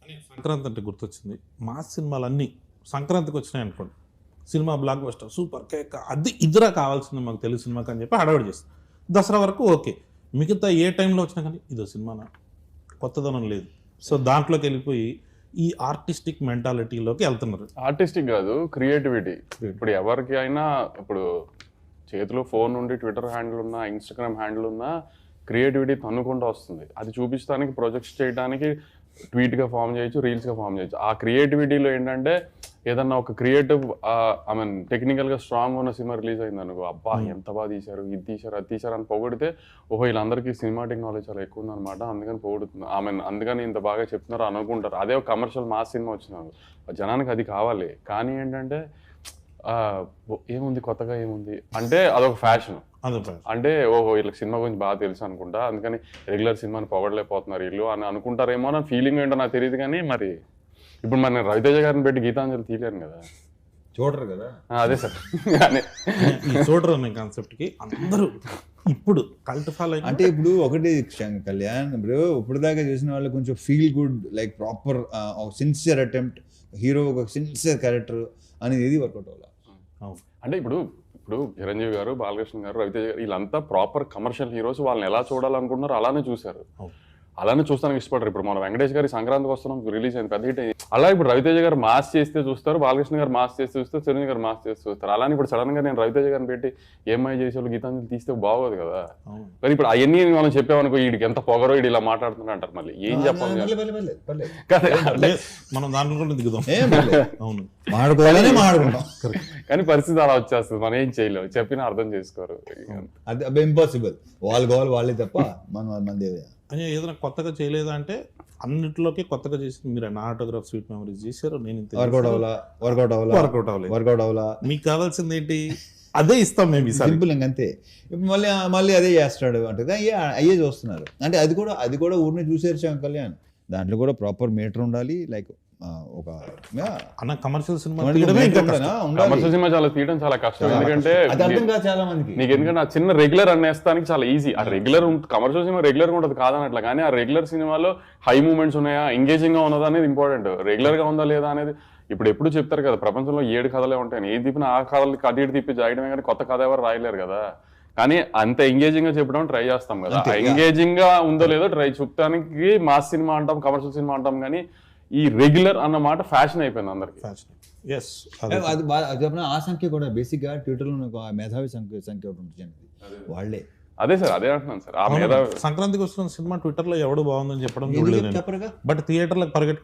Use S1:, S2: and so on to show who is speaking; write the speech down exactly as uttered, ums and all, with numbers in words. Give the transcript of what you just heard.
S1: సంక్రాంతి అంటే గుర్తొచ్చింది. మాస్ సినిమాలన్నీ సంక్రాంతికి వచ్చినాయి అనుకోండి, సినిమా బ్లాక్ బస్టర్ సూపర్ కేక్ అది ఇదిరా కావాల్సింది మాకు తెలుగు సినిమాకి అని చెప్పి హడావిడి చేస్తుంది. దసరా వరకు ఓకే, మిగతా ఏ టైంలో వచ్చినా కానీ ఇదో సినిమానా, కొత్తదనం లేదు. సో దాంట్లోకి వెళ్ళిపోయి ఈ ఆర్టిస్టిక్ మెంటాలిటీలోకి వెళ్తున్నారు.
S2: ఆర్టిస్టిక్ కాదు, క్రియేటివిటీ. ఇప్పుడు ఎవరికి అయినా ఇప్పుడు చేతిలో ఫోన్ ఉండి ట్విట్టర్ హ్యాండిల్ ఉన్నా, ఇన్స్టాగ్రామ్ హ్యాండిల్ ఉన్నా క్రియేటివిటీ తన్నుకుంటూ వస్తుంది. అది చూపించడానికి, ప్రొజెక్ట్స్ చేయడానికి ట్వీట్గా ఫామ్ చేయొచ్చు, రీల్స్గా ఫామ్ చేయొచ్చు. ఆ క్రియేటివిటీలో ఏంటంటే ఏదన్నా ఒక క్రియేటివ్ ఐ మీన్ టెక్నికల్గా స్ట్రాంగ్ ఉన్న సినిమా రిలీజ్ అయింది అనుకో, అబ్బా ఎంత బాగా తీశారు, ఇది తీశారు, అది తీశారు అని పొగిడితే ఓహో వీళ్ళందరికీ సినిమాటిక్ నాలెడ్జ్ చాలా ఎక్కువ ఉందన్నమాట, అందుకని పొగుడుతుంది, ఐ మీన్ అందుకని ఇంత బాగా చెప్తున్నారు అనుకుంటారు. అదే ఒక కమర్షియల్ మాస్ సినిమా వచ్చినారు, జనానికి అది కావాలి. కానీ ఏంటంటే ఏముంది కొత్తగా ఏముంది అంటే అదొక ఫ్యాషన్. అంటే ఓహో వీళ్ళకి సినిమా గురించి బాగా తెలుసు అనుకుంటా, అందుకని రెగ్యులర్ సినిమాని పొగడలేకపోతున్నారు వీళ్ళు అని అనుకుంటారేమో అని ఫీలింగ్ ఏంటో నాకు తెలియదు. కానీ మరి ఇప్పుడు మరి నేను రవితేజ గారిని పెట్టి గీతాంజలి తీయలేను కదా,
S3: చూడరు కదా.
S2: అదే సార్
S1: చూడరు అనే కాన్సెప్ట్కి అందరూ ఇప్పుడు కల్ట్ ఫాలో
S3: అంటే ఇప్పుడు ఒకటి కళ్యాణ్, ఇప్పుడు ఇప్పుడు దాకా చూసిన వాళ్ళు కొంచెం feel good like proper sincere attempt, hero ఒక సిన్సియర్ క్యారెక్టర్ అనేది ఏది వర్కౌట్ అవ్వాలి.
S2: అంటే ఇప్పుడు ఇప్పుడు చిరంజీవి గారు, బాలకృష్ణ గారు, రవితేజ గారు వీళ్ళంతా ప్రాపర్ కమర్షియల్ హీరోస్. వాళ్ళని ఎలా చూడాలనుకుంటున్నారు అలానే చూశారు, అలానే చూస్తానికి ఇష్టపడరు. ఇప్పుడు మన వెంకటేష్ గారి సంక్రాంతికి వస్తున్నాం రిలీజ్ అయింది, పెద్ద హిట్ అయింది. అలా ఇప్పుడు రవితేజ గారు మాస్ చేస్తే చూస్తారు, బాలకృష్ణ గారు మాస్ చేస్తే చూస్తారు, చిరంజీవి గారు మాస్ చేస్తే చూస్తారు. అలానే ఇప్పుడు సడన్ గా నేను రవితేజ గారిని పెట్టి ఏమై చేసేవాళ్ళు గీతాంజలి తీస్తే బాగోదు కదా. కానీ ఇప్పుడు అవన్నీ మనం చెప్పామనుకో, వీడికి ఎంత పొగరో వీడు ఇలా మాట్లాడుతున్నా అంటారు, మళ్ళీ ఏం చెప్పాలి
S1: మనం దాంట్లో కూడా దిగుదాం. అవును,
S3: మాడుకోవాలనే మాడుకుంటాం.
S2: కానీ పరిస్థితి అలా వచ్చేస్తుంది, మనం ఏం చేయలేము, చెప్పినా అర్థం చేసుకోరు.
S3: అది అవి ఇంపాసిబుల్, వాళ్ళు కావాలి వాళ్ళే తప్ప మనం మంది
S1: అని ఏదైనా కొత్తగా చేయలేదా అంటే అన్నింటిలోకి కొత్తగా చేసి మీరు నా ఆటోగ్రాఫ్ స్వీట్ మెమరీస్ చేశారు, నేను
S3: వర్కౌట్ అవ్వాలా వర్కౌట్ అవ్వాలా
S1: వర్కౌట్ అవ్వలేదు
S3: వర్కౌట్ అవ్వాలా
S1: మీకు కావాల్సింది ఏంటి అదే ఇస్తాం మేము,
S3: సింపుల్ ఇంకంతే. ఇప్పుడు మళ్ళీ మళ్ళీ అదే చేస్తాడు అంటే అయ్యే అయ్యే చూస్తున్నారు. అంటే అది కూడా అది కూడా ఊరిని చూసేసాం కళ్యాణ్, దాంట్లో కూడా ప్రాపర్ మీటర్ ఉండాలి. లైక్ ఒక
S1: అన్న కమర్షియల్ సినిమా
S2: కమర్షియల్ సినిమా చాలా తీయడం చాలా కష్టం. ఎందుకంటే
S3: చాలా మందికి
S2: నీకు ఎందుకంటే ఆ చిన్న రెగ్యులర్ అనేస్తానికి చాలా ఈజీ. ఆ రెగ్యులర్ కమర్షియల్ సినిమా రెగ్యులర్ గా ఉంటుంది కాదనట్లా, కానీ ఆ రెగ్యులర్ సినిమాలో హై మూమెంట్స్ ఉన్నాయా, ఎంగేజింగ్ గా ఉన్నదా అనేది ఇంపార్టెంట్. రెగ్యులర్ గా ఉందా లేదా అనేది ఇప్పుడు ఎప్పుడు చెప్తారు కదా, ప్రపంచంలో ఏడు కథలే ఉంటాయి, ఏ తిప్పిన ఆ కథలకి అటు ఇటు తిప్పి జాయడమే, కానీ కొత్త కథ ఎవరు రాయలేరు కదా. కానీ అంత ఎంగేజింగ్ గా చెప్పడం ట్రై చేస్తాం కదా, ఎంగేజింగ్ గా ఉందో లేదో ట్రై చూపడానికి మాస్ సినిమా అంటాం, కమర్షియల్ సినిమా అంటాం. కానీ ఈ రెగ్యులర్ అన్న మాట ఫ్యాషన్ అయిపోయింది అందరికి.
S3: ఆ సంఖ్య కూడా బేసిక్ గా ట్విట్టర్ లో మేధావి సంఖ్య సంఖ్య ఒకటి ఉంటుంది వాళ్ళే.
S2: అదే సార్ అదే అంటున్నాను సార్, ఆ మేధావి
S1: సంక్రాంతికి వస్తున్న సినిమా ట్విట్టర్ లో ఎవడు బాగుందని చెప్పడం బట్ థియేటర్లకు పరిగెట్